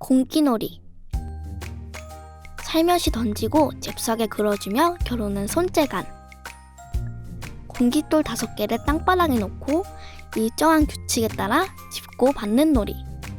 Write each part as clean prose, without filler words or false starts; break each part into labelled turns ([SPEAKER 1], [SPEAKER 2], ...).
[SPEAKER 1] 공기놀이. 살며시 던지고 잽싸게 그려주며 겨루는 손재간. 공깃돌 5개를 땅바닥에 놓고 일정한 규칙에 따라 짚고 받는 놀이.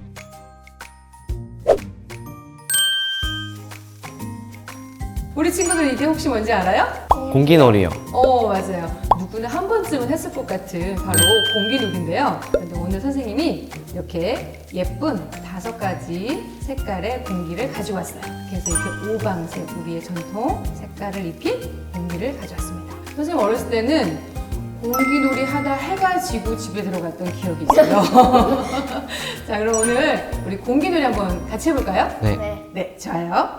[SPEAKER 2] 우리 친구들 이게 혹시 뭔지 알아요?
[SPEAKER 3] 공기놀이요.
[SPEAKER 2] 맞아요. 누구나 한 번쯤은 했을 것 같은 바로 공기놀이인데요. 근데 오늘 선생님이 이렇게 예쁜 5가지 색깔의 공기를 가져왔어요. 그래서 이렇게 오방색, 우리의 전통 색깔을 입힌 공기를 가져왔습니다. 선생님 어렸을 때는 공기놀이 하다 해가 지고 집에 들어갔던 기억이 있어요. 자, 그럼 오늘 우리 공기놀이 한번 같이 해볼까요?
[SPEAKER 3] 네.
[SPEAKER 2] 네, 좋아요.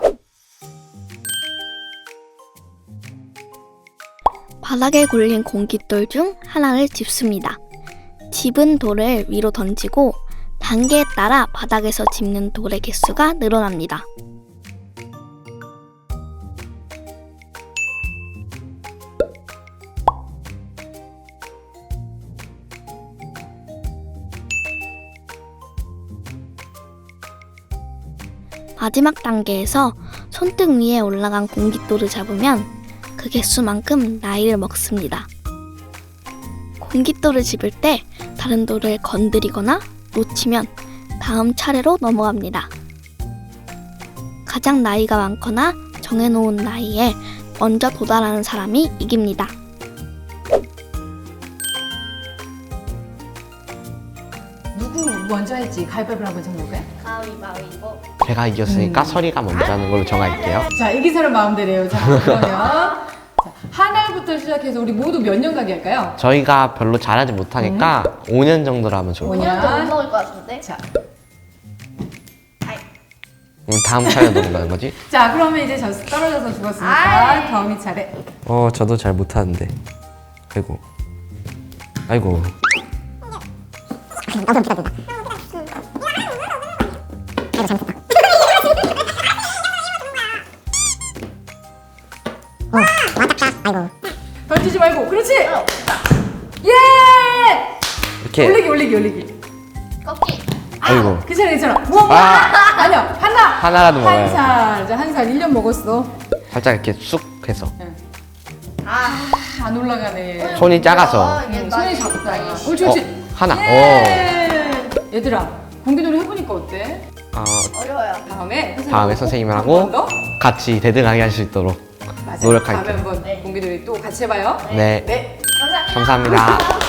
[SPEAKER 1] 바닥에 걸린 공깃돌 중 하나를 짚습니다. 집은 돌을 위로 던지고 단계에 따라 바닥에서 짚는 돌의 개수가 늘어납니다. 마지막 단계에서 손등 위에 올라간 공깃돌을 잡으면 그 개수만큼 나이를 먹습니다. 공깃돌을 집을 때 다른 돌을 건드리거나 놓치면 다음 차례로 넘어갑니다. 가장 나이가 많거나 정해놓은 나이에 먼저 도달하는 사람이 이깁니다.
[SPEAKER 2] 누구 먼저 할지 가위바위보를 한번 정해볼까요?
[SPEAKER 1] 가위바위보.
[SPEAKER 3] 제가 이겼으니까 서리가 먼저 하는 걸로 정할게요.
[SPEAKER 2] 자, 이긴 사람 마음대로요. 자, 그러면 자, 하나부터 시작해서 우리 모두 몇 년 가게 할까요?
[SPEAKER 3] 저희가 별로 잘하지 못하니까 5년 정도로 하면 좋을 것 같아요.
[SPEAKER 2] 5년.
[SPEAKER 1] 못 먹을 것 같은데?
[SPEAKER 2] 자,
[SPEAKER 3] 다음 차례 넘어가는 거지?
[SPEAKER 2] 자, 그러면 이제 떨어져서 죽었으니까 다음이 차례.
[SPEAKER 3] 저도 잘 못하는데. 아이고. 아이고.
[SPEAKER 2] 던지지 말고, 그렇지. 예!
[SPEAKER 3] 이렇게.
[SPEAKER 2] 올리기.
[SPEAKER 1] 꺾기.
[SPEAKER 3] 아이고.
[SPEAKER 2] 괜찮아. 무언가. 아니요,
[SPEAKER 3] 하나라도 먹어요.
[SPEAKER 2] 한 살 1년 먹었어.
[SPEAKER 3] 살짝 이렇게 쑥 해서.
[SPEAKER 2] 안 올라가네.
[SPEAKER 3] 손이 작아서.
[SPEAKER 2] 손이 작다. 옳지.
[SPEAKER 3] 하나.
[SPEAKER 2] 예! 얘들아, 공기놀이 해보니까 어때?
[SPEAKER 1] 어려워요.
[SPEAKER 2] 다음에
[SPEAKER 3] 선생님을
[SPEAKER 2] 한번
[SPEAKER 3] 하고
[SPEAKER 2] 더?
[SPEAKER 3] 같이 대등하게 할 수 있도록
[SPEAKER 2] 맞아요.
[SPEAKER 3] 노력할게요.
[SPEAKER 2] 다음에 한번 공기놀이 또 같이 해봐요.
[SPEAKER 3] 네.
[SPEAKER 2] 네.
[SPEAKER 3] 감사합니다.